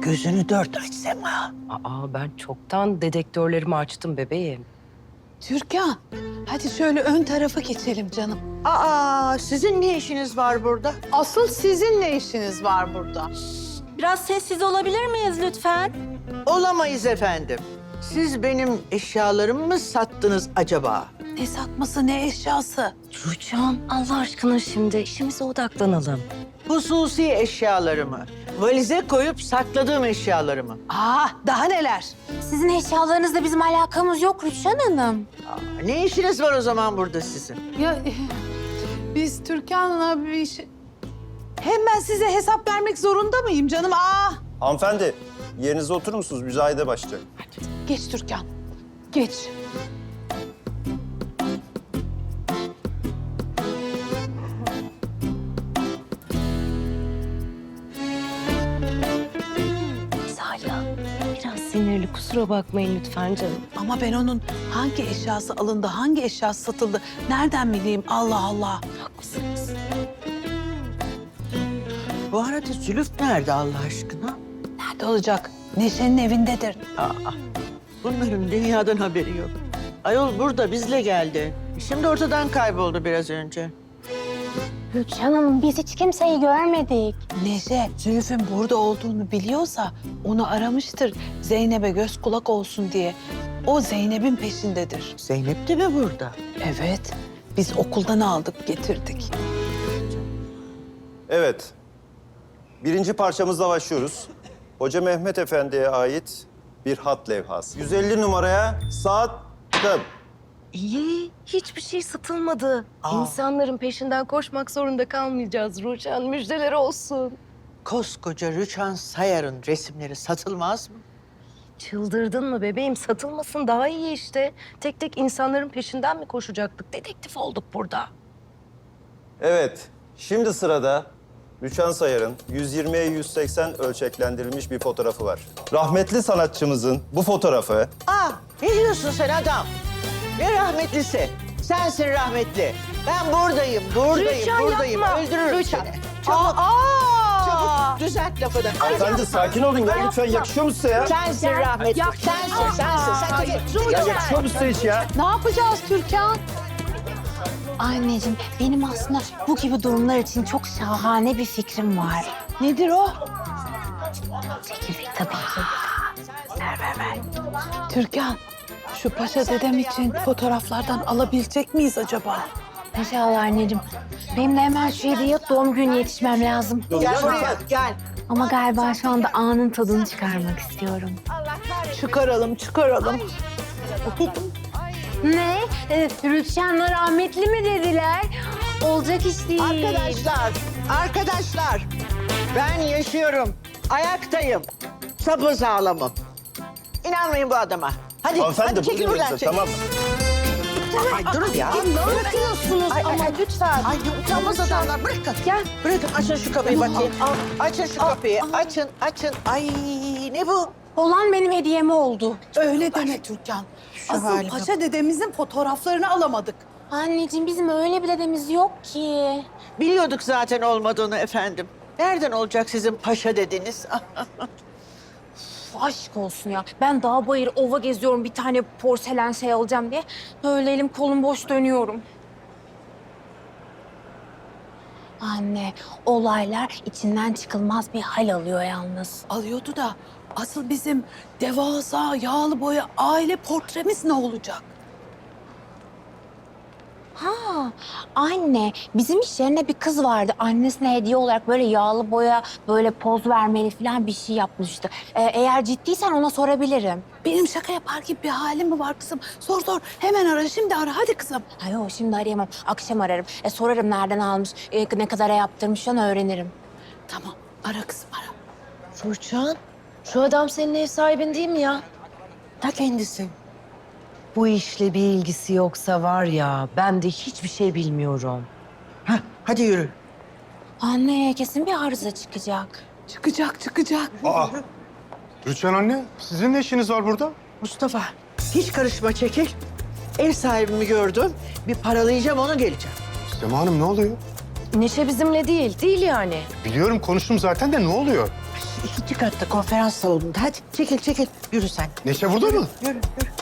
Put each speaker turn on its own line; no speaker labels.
gözünü dört aç Sema.
Ben çoktan dedektörlerimi açtım bebeğim.
Türkan, hadi şöyle ön tarafa geçelim canım.
Sizin ne işiniz var burada?
Asıl sizin ne işiniz var burada?
Biraz sessiz olabilir miyiz lütfen?
Olamayız efendim. Siz benim eşyalarımı mı sattınız acaba?
Ne satması, ne eşyası?
Rüçhan Allah aşkına şimdi işimize odaklanalım.
Hususi eşyalarımı, valize koyup sakladığım eşyalarımı.
Daha neler?
Sizin eşyalarınızla bizim alakamız yok Rüçhan Hanım.
Ne işiniz var o zaman burada sizin?
Ya biz Türkan'la bir şey... Hem ben size hesap vermek zorunda mıyım canım?
Hanımefendi, yerinize oturur musunuz? Müzayede başlayacak.
Geç Türkan, geç.
Salih biraz sinirli, kusura bakmayın lütfen canım.
Ama ben onun hangi eşyası alındı, hangi eşyası satıldı nereden bileyim? Allah Allah.
Haklısınız.
Bu arada Zülüf nerede Allah aşkına?
Nerede olacak? Neşe'nin evindedir.
Bunların dünyadan haberi yok. Ayol burada bizle geldi. Şimdi ortadan kayboldu biraz önce.
Rüçhan Hanım biz hiç kimseyi görmedik.
Neşe, Zülfü'nün burada olduğunu biliyorsa onu aramıştır. Zeynep'e göz kulak olsun diye. O Zeynep'in peşindedir.
Zeynep de mi burada?
Evet, biz okuldan aldık, getirdik.
Evet, birinci parçamızla başlıyoruz. Hoca Mehmet Efendi'ye ait bir hat levhası. 150 numaraya sattım.
İyi, hiçbir şey satılmadı. İnsanların peşinden koşmak zorunda kalmayacağız Rüçhan. Müjdeler olsun.
Koskoca Rüçhan Sayar'ın resimleri satılmaz mı?
Çıldırdın mı bebeğim? Satılmasın daha iyi işte. Tek tek insanların peşinden mi koşacaktık? Dedektif olduk burada.
Evet, şimdi sırada Rüçhan Sayar'ın 120'ye 180 ölçeklendirilmiş bir fotoğrafı var. Rahmetli sanatçımızın bu fotoğrafı
Ne diyorsun sen adam? Ne rahmetlisi? Sensin rahmetli. Ben buradayım. Buradayım. Öldürürüm seni. Çabuk düzelt lafını.
Efendi sakin olun ya lütfen, yakışıyor mu size ya?
Sensin rahmetli. Sensin.
Ya yakışıyor mu size hiç ya?
Ne yapacağız Türkan?
Anneciğim benim aslında bu gibi durumlar için çok şahane bir fikrim var.
Nedir o?
Çekirdek tabii ki.
Ver. Türkan, şu paşa dedem için fotoğraflardan alabilecek miyiz acaba?
İnşallah anneciğim. Benim de hemen şu hediye doğum günü yetişmem lazım.
Gel buraya gel.
Ama galiba şu anda anın tadını çıkarmak istiyorum.
Çıkaralım.
Ne? Rüçhan'la rahmetli mi dediler? Olacak iş değil.
Arkadaşlar. Ben yaşıyorum. Ayaktayım. Sapasağlamım. İnanmayın bu adama. Hadi
Hanımefendi
çekil
buyurun
buradan.
bize, tamam mı?
Ay durun ya.
Ne yapıyorsunuz ama lütfen.
Ay utanmaz adamlar. Bırakın.
Gel.
Bırakın açın şu kapıyı bakayım. Açın şu kapıyı. Açın. Ay ne bu?
Olan benim hediyem oldu.
Öyle deme Türkan. Asıl
halime
paşa dedemizin fotoğraflarını alamadık.
Anneciğim bizim öyle bir dedemiz yok ki.
Biliyorduk zaten olmadığını efendim. Nereden olacak sizin paşa dediniz?
Aşk olsun ya. Ben dağ bayır ova geziyorum bir tane porselen şey alacağım diye. Böyle elim kolum boş dönüyorum. Anne, olaylar içinden çıkılmaz bir hal alıyor yalnız.
Alıyordu da asıl bizim devasa yağlı boya aile portremiz ne olacak?
Ha, anne, bizim iş yerine bir kız vardı. Annesine hediye olarak böyle yağlı boya, böyle poz vermeli falan bir şey yapmıştı. Eğer ciddiysen ona sorabilirim.
Benim şaka yapar gibi bir halim mi var kızım? Sor. Hemen ara, şimdi ara. Hadi kızım.
Ay yok, şimdi arayamam. Akşam ararım. Sorarım nereden almış, ne kadara yaptırmış falan öğrenirim.
Tamam, ara kızım, ara.
Rüçhan, şu adam senin ev sahibin değil mi ya?
Ta kendisi.
Bu işle bir ilgisi yoksa var ya, ben de hiçbir şey bilmiyorum.
Hadi yürü.
Anne, kesin bir arıza çıkacak.
Çıkacak.
Rüçhan anne, sizin ne işiniz var burada?
Mustafa hiç karışma çekil. Ev sahibimi gördüm. Bir paralayacağım onu geleceğim.
Sema Hanım ne oluyor?
Neşe bizimle değil yani.
Biliyorum, konuştum zaten de ne oluyor?
İkinci katta konferans salonunda. Hadi çekil. Yürü sen.
Neşe burada mı?
Yürü.